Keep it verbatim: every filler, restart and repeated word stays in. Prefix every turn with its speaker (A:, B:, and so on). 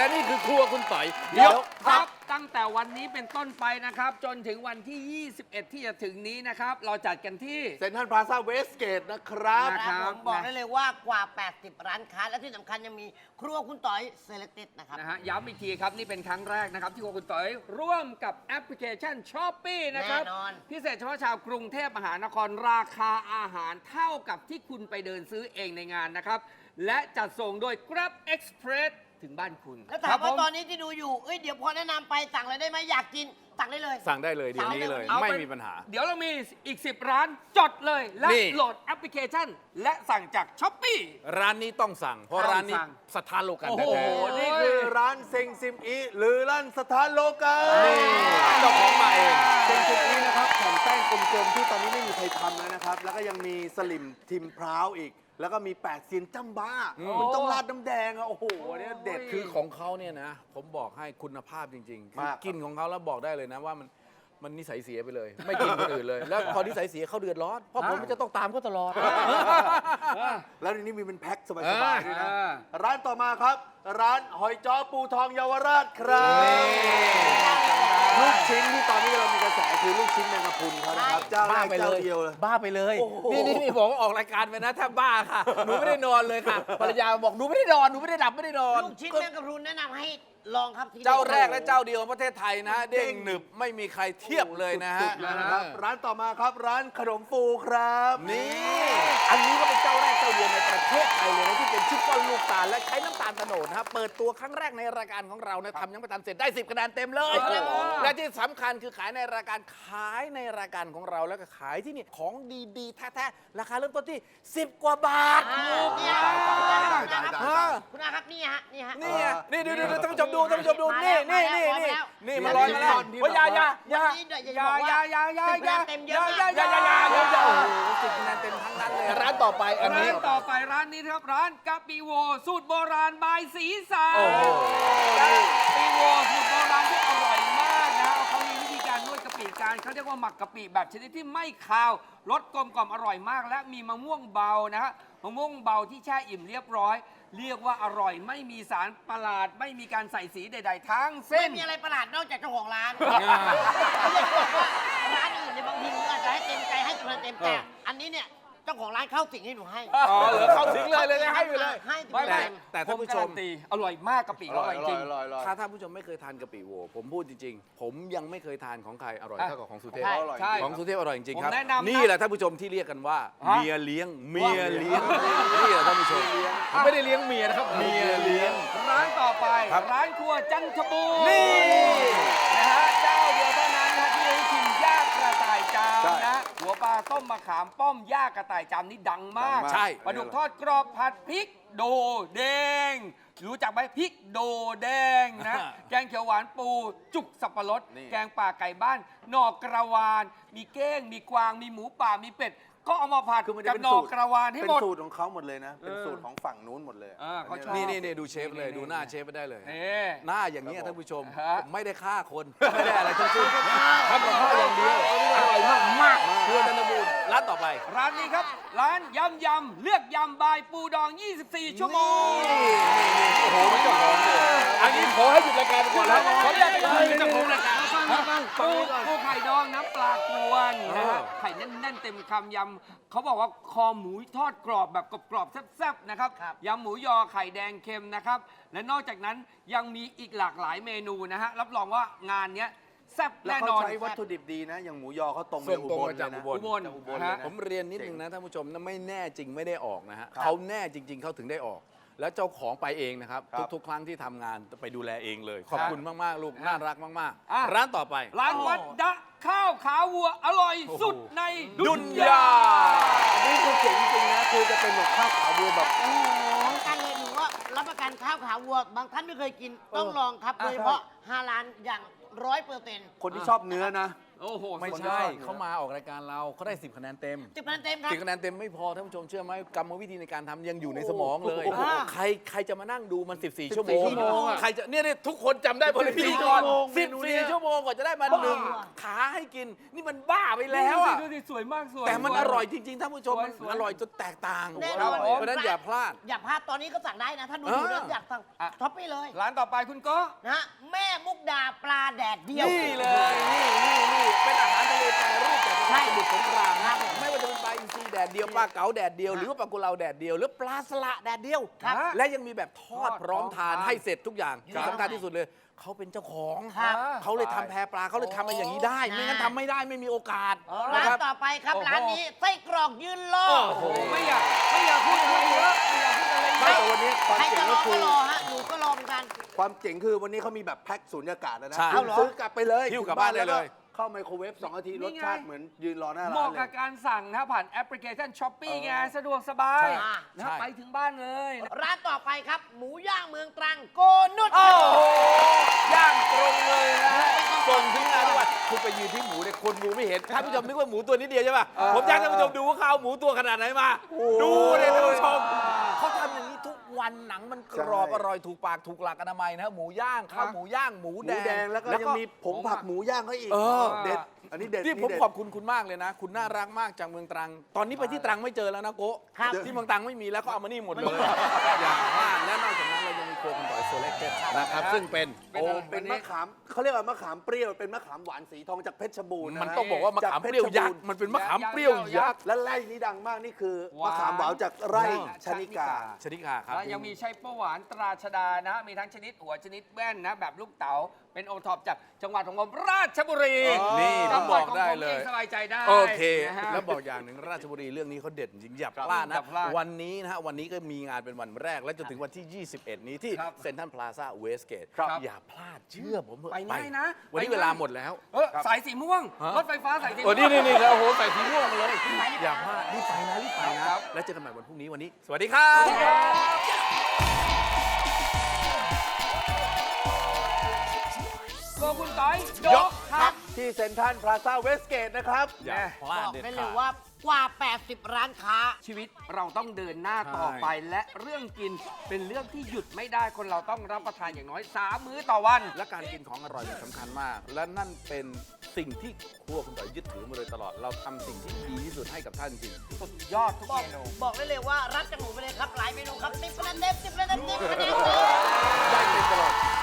A: และนี่คือครัวคุณต่อยยกทัพตั้งแต่วันนี้เป็นต้นไปนะครับจนถึงวันที่ ยี่สิบเอ็ด ที่จะถึงนี้นะครับเราจัดกันที่
B: เซ็นทรัลพลาซ่าเวสเกตนะครับ
C: นะครับผมบอกได้เลยว่ากว่า แปดสิบ ร้านค้าและที่สำคัญยังมีครัวคุณต่อยเซเล c เต็ดนะครับ
A: นะฮะย้ำอีกทีครับนี่เป็นครั้งแรกนะครับที่ครัวคุณต่อยร่วมกับแอปพลิเคชัน ช้อปปี้ นะครับ
C: แน่นอน
A: พิเศษเฉพาะชาวกรุงเทพมหานครราคาอาหารเท่ากับที่คุณไปเดินซื้อเองในงานนะครับและจัดส่งโดย Grab Express ถึงบ้านคุณ
C: แล้วถามว่าตอนนี้ที่ดูอยู่เอ้ยเดี๋ยวพอแนะนำไปสั่งเลยได้ไหมอยากกินสั่งได้เลย
D: สั่งได้เลยเดี๋ยวนี้เลย
A: เอา
D: ไม่
A: เป็น
D: มีปัญหา
A: เดี๋ยวเรามีอีก สิบ ร้านจดเลย และ
D: นี่
A: โหลดแอปพลิเคชัน และสั่งจากช้อปปี้
D: ร้านนี้ต้องสั่ง เพราะ
A: ต้อง
D: ร้านนี้
A: สั่ง
D: สถานโลกัน
A: โอ้
D: แท้
A: โห
D: ๆ
B: นี่คือร้านเซ็งซิมอีหรือร้านสถานโลกา
D: นี่เจ้าของมาเอง
B: เซ็งซิมอีนะครับแผ่นแป้งกลมๆที่ตอนนี้ไม่มีใครทำแล้วนะครับ แล้วก็ยังมีสลิมทิมพร้าวอีก แล้วก็มีแปดเซียนจ้ำบ้า มันต้องราดน้ำแดงอะโอ้โหเนี่ยเด็ด
D: คือของเขาเนี่ยนะ ผมบอกให้คุณภาพจริงๆคือ
B: มากครับ
D: กินของเขาแล้วบอกได้เลยนะว่ามันมันนิสัยเสียไปเลย ไม่กินคนอื่นเลย แล้วพอนิสัยเสียเขาเดือดร้อนเพราะผมจะต้องตามเขาตลอด
B: แล้วในนี้มีเป็นแพ็คสบายๆด้วยนะ
A: อ่า
B: ร้านต่อมาครับ ร้านหอยจ้อปูทองเยาวราชครับลูกชิ้นที่ตอนนี้เรามีกระแสคือลูกชิ้นแมงกะพรุนเขานะครับเจ้าแร
D: บ้าก ไปเล
B: เจ้าย เดียวเลย
D: บ้าไปเลย
B: โอ้โห
D: นี่นี่นี่บอกว่าออกรายการไปนะถ้าบ้าค่ะ หนูไม่ได้นอนเลยค่ะภรรยาบอกหนูไม่ได้นอนหนูไม่ได้ดับไม่ได้นอน
C: ลูกชิ้นแมงกะพรุนแนะนำให้ลองครับที่
D: เจ้าแรกและเจ้าเดียวของประเทศไทยนะ เด้งหนึบไม่มีใครเทียบเลยนะฮะ
B: สุดๆเลยนะครับร้านต่อมาครับร้านขนมฟูครับ
D: นี่ อันนี้ก็เป็นเจ้าแรกเจ้าเดียวในประเทศไทยเลยนะที่เป็นชิปป้อนลูกตาลและใช้น้ำตาลโตโนดนะครับเปิดตัวครั้งแรกในรายการของเรานะทำยังไม่ทันเสร็จได้สิบคะแนนเต็มเลย
A: โอ้โห
D: และที่สำคัญคือขายในรายการขายในรายการของเราแล้วก็ขายที่นี่ของดีๆแท้ๆราคาเริ่มต้นที่สิบกว่าบาท
C: อ่าเนี่ย
B: ตายตายตายตายตายตาย
C: คุณอาครับนี่ฮะนี่ฮะ
D: นี่ไงนี่ดูดูดูท่านผู้ชมดูท่านผู้ชมดูนี่นี่นี่นี่นี่มันลอยมาแล้ว
B: ที่
D: โอ้ยอยาอยาอยา
C: วันนี้เดี๋ยวอย่า
A: อย่า
C: บอก
A: อย่า
C: ว่า
A: อย่าอย่าอย่า
C: เต็มเย
A: อย่า
C: อะ
A: อย่า
C: มา
A: อก ย่าอย่าอย่าอย่า
D: โอ้โหสิบคะแนนเต็มทั้งนั้นเลยร้านต่อไปอันนี้
A: ร้านต่อไปร้านนี้นะครับร้านกะปิโวสูตรโบราณบายสีสาน
D: โอ้โห
A: กะปิโวสูตรโบราณที่อร่อยมากนะฮะเขามีวิธีการนวดกะปิการเขาเรียกว่าหมักกะปิแบบชนิดที่ไม่คาวรสกลมกล่อมอร่อยมาก และมีมะม่วงเบานะฮะมะม่วงเบาที่แช่อิ่มเรียบร้อย เรียกว่าอร่อยไม่มีสารประหลาด ไม่มีการใส่สีใด ๆ ทั้ง
C: ไม่
A: เส้น
C: มีอะไรประหลาดนอกจากเจ้าของร้านไม่ได้บอกว่าร้านอื่นเนี่ยบางทีอาจจะให้เต็มใจให้คะแนนเต็มแต่อันนี้เนี่ยเจ้าของร้านเข้าสิ่งให้หนูให้
D: อ๋อเหรอเข้าถึงเลยเลยให้ไปเลย
C: ให้ไป
A: ไม่
C: เล
A: ไม่
C: ย
D: แต่ท่านผู้ชม
A: ผกรตีอร่อยมากกะปิอร่อยจริง
D: ถ้าท่านผู้ชมไม่เคยทานกะปิโวผมพูดจริงๆ ผมยังไม่เคยทานของใครอร่อย
A: อ่ะ
D: เท่ากับของสุเทพ
C: ใช่
A: ใช่
D: ของสุเทพอร่อยจริงๆครับ
A: ผมแนะนำนะ
D: นี่แหละท่านผู้ชมที่เรียกกันว่า
A: ฮะ
D: เมียเลี้ยงเมียเลี้ยงนี่แหละท่านผู้ชมผมไม่ได้เลี้ยงเมียนะครับเมียเลี้ยง
A: ร้านต่อไป
D: ครับ
A: ร้านครัวจันทบูรณ์
D: นี่
A: นะฮะเจ้าเดียวเท่านั้นนะที่ได้ชิมย่างกระต่ายจาม
B: ใช่
A: นะหัวปลาต้มมะขามป้อมย่างกระต่ายจามนี่ดังมาก
D: ใช่
A: ปลาดุกทอดกรอบผัดพริกโดแดงรู้จักไหมพริกโดแดงนะแกงเขียวหวานปูจุกสับปะรด
D: นี่
A: แกงป่าไก่บ้านหนอกกระวาน มีเก้งมีกวางมีหมูป่ามีเป็ดก็เอามาผัด
B: คือมันจะ
A: กับ
B: เป็น
A: หนอ
B: สู
A: ก
B: ตร
A: กระวานให้
B: เป็น
A: หมด
B: สูตรของเขาหมดเลยนะ เป็นสูตรของฝั่งนู้นหมดเลย
A: อ่าเขาชอบ
D: นี่นี่นี่ดูเชฟเลยดูหน้าเชฟไปได้เลย
A: นี่
D: หน้าอย่างนี้ยท่านผู้ชม
A: ฮะ
D: ผมไม่ได้ฆ่าคน ไม่ได้อะไรทั้งสิ้นทำกับข้าวอย่างเดียวอร่อยมากมากครัวจันทบูรณ์ร้านต่อไป
A: ร้านนี้ครับ ร้านยำยำเลือกยำบายปูดอง ยี่สิบสี่ ชั่วโมง
D: โอ้โหเป็นเจ้าของเลยอันนี้ขอให้หยุดรายการก่อนแล้วขออนุญาตไปคุยกับเจ้าของรายการ
A: ปูปูไข่ดองน้ำปลากวนนะฮะ
D: เออ
A: ไข่แน่นๆเต็มคำยำเขาบอกว่าคอหมูทอดกรอบแบบกรอบๆแซ่บๆนะครับ
C: ครับ
A: ยำหมูยอไข่แดงเค็มนะครับ และนอกจากนั้นยังมีอีกหลากหลายเมนูนะฮะรับรองว่างานเนี้ยแซ่บ
B: แล้ว
A: แน่
B: เขา
A: นอน
B: ใช้วัตถุดิบดีนะ อย่างหมูยอเขาตรงไป
D: ส่ง
B: อุ
D: ตรง
B: บล
D: มาจาก
B: เลยนะ
D: อุบล
B: จากอุบล
A: ฮะ
B: เลยนะ
D: ผมเรียนนิดนึงนะท่านผู้ชมนะไม่แน่จริงไม่ได้ออกนะฮะ
B: ครับ
D: เขาแน่จริง ๆเขาถึงได้ออก แล้วเจ้าของไปเองนะครับ
B: ครับ
D: ทุกๆ ครั้งที่ทำงานไปดูแลเองเลย ขอบคุณมาก ๆ ลูก น่ารักมาก
A: อ่ะ
D: ๆ ร้านต่อไป
A: ร้านวัดดะข้าวขาวัวอร่อยสุดในดุ
D: ดุ
A: น
D: น
A: ยาย
D: า
B: อันนี้คือเจ๋งจริงนะ คือจะเป็นแบบข้าวขาวัวแบบ
C: โอ้โหการเลยหนูว่ารับประกันข้าวขาวัว บางท่านไม่เคยกินต้องลองครับ
B: อ่ะ
C: โดยเฉพาะฮาลาลอย่างร้อยเปอร์เซ็นต์
B: คนที่ชอบเนื้อนะ
A: โอ้โห
D: ไม่
A: สุดย
D: ใช่
A: อด
D: เขามาออกรายการเราเขาได้สิบคะแนนเต็ม
C: สิบคะแนนเต็มครับ
D: สิบคะแนนเต็มไม่พอท่านผู้ชมเชื่อไหมกรรมวิธีในการทำยังอยู่ในสมองเลย
C: โอ้โห
D: ใครใครจะมานั่งดูมันสิบสี่ชั่วโมง
B: สิบสี่ชั่วโมงอะ
D: ใครจะเนี่ยเนี่ยทุกคนจำได้บนพิธีกร
B: สิ
D: สิ
B: บบ สี่
D: สี่
B: ชั่
D: ชั่
B: ว
D: ว
B: โม
D: โม
B: ง
D: งกว่าจะได้มาหนึ่งขาให้กิน นี่มันบ้าไปแล้วอ่ะ
A: ดูสิสวยมากสวย
D: แต่มันอร่อยจริงๆท่านผู้ชมมัน
A: สวยๆ
D: อร่อยจนแตกต่าง
C: แน่นอน
D: เพราะฉะนั้นอย่าพลาด
C: อย่าพลาดตอนนี้ก็สั่งได้นะ ถ้าดู
D: เออ
C: อยู่แล้วอยากสั่ง
A: อ่ะ
C: ช้อปปี้เลย
A: ร้านต่อไปคุณโก็
C: นะฮะแม่มุกดาปลาแดดเดียว
D: นี่เลยนี่นี่นี่เป็นอาหารทะเลแปรรูปจากจังหวัดสมุทรสงคราม
C: ครั
D: นะ
C: บผม
D: ไม่ว่าจะเป็นปลาอินทรีแดดเดียวปลาเก๋าแดดเดียวหรือว่าปลากุเลาแดดเดียวหรือปลาสละแดดเดียว
A: ครับ
D: และยังมีแบบทอดพร้อมทาน
A: ทอด
D: ให้เสร็จทุกอย่าง
C: ครับ
D: ที่สำคัญที่สุดเลยเขาเป็นเจ้าของ
C: ครับ
D: เขาเลยทำแพปลาเขาเลยทำมาอย่างนี้ได้ ไม่งั้นทำไม่ได้ไม่มีโอกาส
C: ร้า
D: นะ
C: น
D: ครับ
C: ต่อไปครับ
A: โอ้โห
C: ร้านนี้ไส้กรอกยืนรอ
D: โอ้โห
A: ไม่อยากไม่อยากพูดอะไรเยอะไม่อยากพูดอะไรเย
B: ไม่
A: อะ
B: แต่วันนี้ความ
C: ใคร
B: เจ๋
C: จะ
B: ง
C: ร
B: ก็
C: อ
B: คื
C: ก็
B: อ
C: รอฮะหนูก็รอเหมือนกัน
B: ความเจ๋งคือวันนี้เขามีแบบแพ็คสูญญากาศแล้วนะ
D: ใช่
B: คุณซื้อกลับไปเลย
D: หิ้วกลับบ้านได้เลย
B: เข้าไมโครเวฟสองนาที
A: นี่
B: รส
A: ไง
B: ชาติเหมือนยืนรอหน้า
A: เห
B: ร้า
A: มาะ
B: นเล
A: กับ
B: ย
A: การสั่งนะผ่านแอปพลิเคชันช้อปปี้ไงสะดวกสบาย
D: ใช่
A: นะ
D: ใช่
A: ไปถึงบ้านเลยนะ
C: ร้านต่อไปครับ หมูย่างเมืองตรังโกนุช
D: โอ้โหย่างตรงเลยนะฮะส่งถึงงานทุกวันคุณไปยืนที่หมูเนี่ยคนดูไม่เห็นท่านผู้ชมนึกว่าหมูตัวนิดเดียวใช่ป่ะ
B: เออ
D: ผมอยากให้ท่านผู้ชมดูว่าเขาเอาหมูตัวขนาดไหนมา ดูเลยท่านผู้ชมเขาทำอย่างนี้ทุกวันหนังมันกรอบอร่อยถูกปากถูกหลักอนามัยนะหมูย่างข้าวหมูย่างหมู
B: ห
D: แด
B: มู
D: ง
B: แดงแล้วก็ยังมีผงผักหมูย่างเขาอีก
D: เออ
B: เด็ด อันนี้เด็ด
D: ที่ผม
B: เด็ด
D: ขอบคุณคุณมากเลยนะ คุณน่ารักมากจากเมืองตรัง ตอนนี้ไปที่ตรังไม่เจอแล้วนะโกะ
C: ครับ
D: ที่เมืองตรังไม่มีแล้วเขาเอามานี่หมดเลย อย่าพลาดและนอกจากนั้นเรายังมีโคกันต่อยโซเล็กเต็ดนะครับซึ่งเป็น
A: เป็น
B: โอ้
A: อะไร
B: เป็น
A: วันนี้
B: มะขามเขาเรียกว่ามะขามเปรี้ยวเป็นมะขามหวานสีทองจากเพชรบูรณ์ะ
D: มันต้องบอกว่ามะขามเปรี้ยวยักษ์มันเป็นมะขามเปรี้ยวยักษ์
B: และไร่นี้ดังมากนี่คือ
A: หวาน
B: มะขามหวานจากไร่ชนิกา
D: ชนิกาครับ
A: แล้วยังมีไส้ปลาหวานตราชดานะ มีทั้งชนิดหัวชนิดแว่นนะ แบบลูกเต๋าเป็นโอท็อปจากจังหวัดของผมราชบุรี
D: นี่
A: จั
D: ผม
A: งห
D: บ
A: วัด
D: อก
A: ของ
D: ได้
A: ผม
D: เล
A: เอย งสบายใจได้
D: โอเค
A: นะฮะ
D: แล้วบอกอย่างหนึ่งราชบุรีเรื่องนี้เขาเด็ดจริงอย่าพลาด
A: อ
D: นะ
A: ย่าพลาด
D: วันนี้นะฮะวันนี้ก็มีงานเป็นวันแรก และจนถึงวันที่ ยี่สิบเอ็ด นี้ที่
A: ครับ
D: เซ็นทรัลพลาซ่าเวสเกต
A: ครับ
D: อย่าพลาดเชื่อผมเถอะ
A: ไปง่ายนะ
D: วันนี้
A: ไปง่าย
D: เวลาหมดแล้ว
A: เออสายสีม่วง
D: ฮะ
A: รถไฟฟ้าสายสีม่
D: โอ้
A: วง
D: นี่นี่นี่แล้วโอ้โหใส่สีม่วงมาเลย อย่าพลาดรีบไปนะรีบไป
A: ค
D: นะ
A: รับ
D: แล้วเจอกันใหม่วันพรุ่งนี้วันนี้ สวัสดีครับ
A: โกคุณต้อยย
D: ย
A: ก
D: ก
A: ครับ
B: ที่เซ็นทรัลพลาซ่าเวสเกตนะครับ
D: อย่าพลา
C: บ
D: ด
C: อก
D: เด็ด
C: ได้เล
D: ขาด
C: ยว่ากว่า แปดสิบ ร้านค้า
A: ชีวิตเราต้องเดินหน้าต่อไป และเรื่องกินเป็นเรื่องที่หยุดไม่ได้คนเราต้องรับประทานอย่างน้อยสามมื้อต่อวัน
D: และการกินของอร่อยมันสำคัญมาก และนั่นเป็นสิ่งที่ครัวคุณต่อยยึดถือมาโดยตลอด เราทำสิ่งที่ดีที่สุดให้กับท่านจริง
A: สุดยอดทุก
C: บอก
A: เมนู
C: บอกได้เลยว่ารับจากหนูไปเลยครับ หลายเมนูครับสิบคะแนนเต็มสิบคะแนนเต็มสิบคะแนนเต็ม
D: ได้เป็นตลอด